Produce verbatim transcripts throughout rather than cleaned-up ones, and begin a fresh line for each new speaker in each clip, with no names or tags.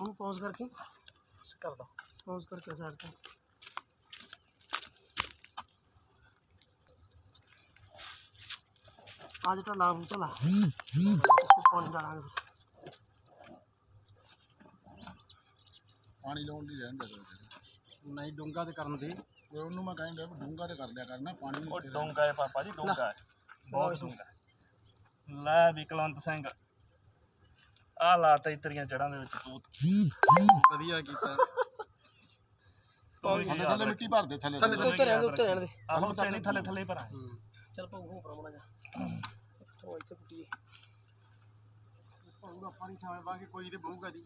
ਉਹਨੂੰ ਪੌਜ਼ ਕਰਕੇ ਕਰ ਦੋ, ਪੌਜ਼ ਕਰਕੇ ਸਾਈਡ ਤੇ आज तो लाभ चला इसको पानी डालांगे
पानी लाउन नहीं रहन दे
नहीं डूंगा तो करन दे
कोई ਉਹਨੂੰ ਮੈਂ ਕਹਿੰਦਾ ਡੂੰਗਾ ਤੇ ਕਰ ਦਿਆ ਕਰਨਾ ਪਾਣੀ
ਉਹ ਡੂੰਗਾ ਹੈ ਪਾਪਾ ਜੀ ਡੂੰਗਾ ਹੈ ਬਹੁਤ ਡੂੰਗਾ ਲੈ ਵੀ ਕੁਲਵੰਤ ਸਿੰਘ ਆ ਲਾਤਾ ਇਤਰੀਆਂ ਜੜਾਂ ਦੇ ਵਿੱਚ ਤੂਤ
ਵਧੀਆ ਕੀਤਾ
ਥੱਲੇ ਥੱਲੇ ਮਿੱਟੀ ਭਰ ਦੇ ਥੱਲੇ
ਥੱਲੇ ਉੱਤੇ ਰਹਿਣ ਦੇ ਉੱਤੇ ਰਹਿਣ ਦੇ
ਆਹੋ ਤੇ ਨਹੀਂ ਥੱਲੇ ਥੱਲੇ ਭਰਾ
ਚੱਲ ਪਾਉ ਹੋ ਪਰਮਣਾ ਜਾ ਉਹ ਇੱਥੇ ਕੁੱਟੀ ਪਾਉਗਾ ਪਾਣੀ ਛਾਵੇਂ ਬਾਗੇ ਕੋਈ ਤੇ ਬਹੂਗਾ ਦੀ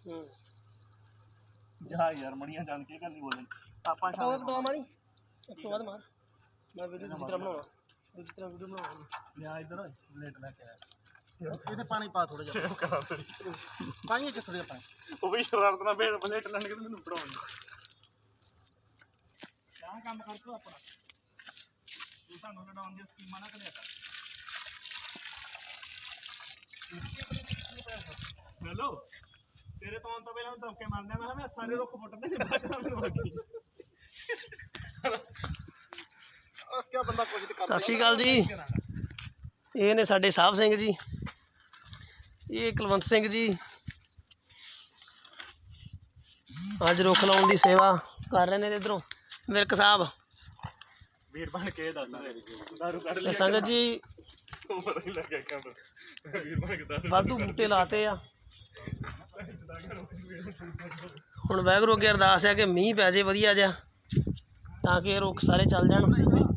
ਜਾ ਯਾਰ ਮੜੀਆਂ ਜਾਣ ਕੇ ਗੱਲ ਨਹੀਂ ਬੋਲਣ ਆਪਾਂ
ਉਹ ਦੋ ਮਾਰੀ ਇੱਕ ਤੋਂ ਬਾਅਦ ਮਾਰ ਮੈਂ ਵੀਡੀਓ ਦੂਜੀ ਤਰ੍ਹਾਂ ਬਣਾਉਣਾ ਦੂਜੀ ਤਰ੍ਹਾਂ ਵੀਡੀਓ ਬਣਾਉਣਾ
ਲਿਆ ਇੱਧਰ ਪਲੇਟ ਲੈ ਕੇ ਆ
ਇਹਦੇ ਪਾਣੀ ਪਾ ਥੋੜਾ ਜਿਹਾ
ਕਰਾ ਤੇਰੀ
ਪਾਣੀ ਚ ਥੋੜਾ ਜਿਹਾ ਪਾਣੀ
ਉਹ ਵੀ ਸ਼ਰਾਰਤ ਨਾਲ ਬੇੜ ਪਲੇਟ ਲੈਣ ਕੇ ਮੈਨੂੰ ਪੜਾਉਣ ਕਿਆ ਕੰਮ ਕਰ ਤੂੰ ਆਪਣਾ ਤੂੰ ਸਾਨੂੰ ਲੜਾਉਣ ਦੀ ਸਕੀਮਾਂ ਨਾ ਕਰਿਆ ਕਰ ਹੈਲੋ ਤੇਰੇ ਤੋਂ ਤਾਂ ਪਹਿਲਾਂ ਧੱਕੇ ਮਾਰਦੇ ਮੈਂ ਮੈਂ ਸਾਰੇ ਰੁੱਖ ਪੁੱਟਦੇ ਨੇ ਬਾਅਦ ਨਾਲ ਮੈਨੂੰ ਲੱਗੀ
ਆ ਕੀ ਬੰਦਾ ਕੁਝ ਤੇ ਕਰ
ਸਤਿ ਸ਼੍ਰੀ ਅਕਾਲ ਜੀ। ਇਹ ਨੇ ਸਾਡੇ ਸਾਹਿਬ ਸਿੰਘ ਜੀ, ਇਹ ਕੁਲਵੰਤ ਸਿੰਘ ਜੀ ਅੱਜ ਰੁੱਖ ਲਾਉਣ ਦੀ ਸੇਵਾ ਕਰ ਰਹੇ ਨੇ। ਇਧਰੋਂ ਵਿਰਕ ਸਾਹਿਬ
ਵੀਰ ਬਣ ਕੇ ਦੱਸ ਦਾਰੂ ਕੱਢ ਲਿਆ
ਸੰਗਤ ਜੀ
ਉਮਰ ਹੀ ਲੱਗਾ ਕੰਮ ਵੀਰ ਬਣ ਕੇ ਦੱਸ
ਵਾਧੂ ਬੂਟੇ ਲਾਤੇ ਆ। ਹੁਣ ਵਾਹਿਗੁਰੂ ਅੱਗੇ ਅਰਦਾਸ ਹੈ ਕਿ ਮੀਂਹ ਪੈ ਜੇ ਵਧੀਆ ਜਿਹਾ ਤਾਂ ਕਿ ਇਹ ਰੁੱਖ ਸਾਰੇ ਚੱਲ ਜਾਣ।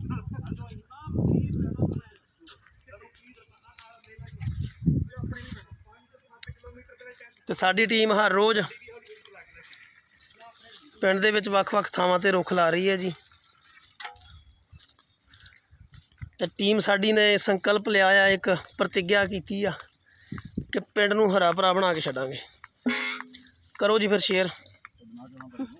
ਤੇ ਸਾਡੀ ਟੀਮ ਹਰ ਰੋਜ਼ ਪਿੰਡ ਦੇ ਵਿੱਚ ਵੱਖ-ਵੱਖ ਥਾਵਾਂ ਤੇ ਰੁੱਖ ਲਾ ਰਹੀ ਹੈ ਜੀ। ਤੇ ਟੀਮ ਸਾਡੀ ਨੇ ਸੰਕਲਪ ਲਿਆ ਆ, ਇੱਕ ਪ੍ਰਤਿੱਗਿਆ ਕੀਤੀ ਆ ਕਿ ਪਿੰਡ ਨੂੰ ਹਰਾ ਭਰਾ ਬਣਾ ਕੇ ਛੱਡਾਂਗੇ। ਕਰੋ ਜੀ ਫਿਰ ਸ਼ੇਅਰ।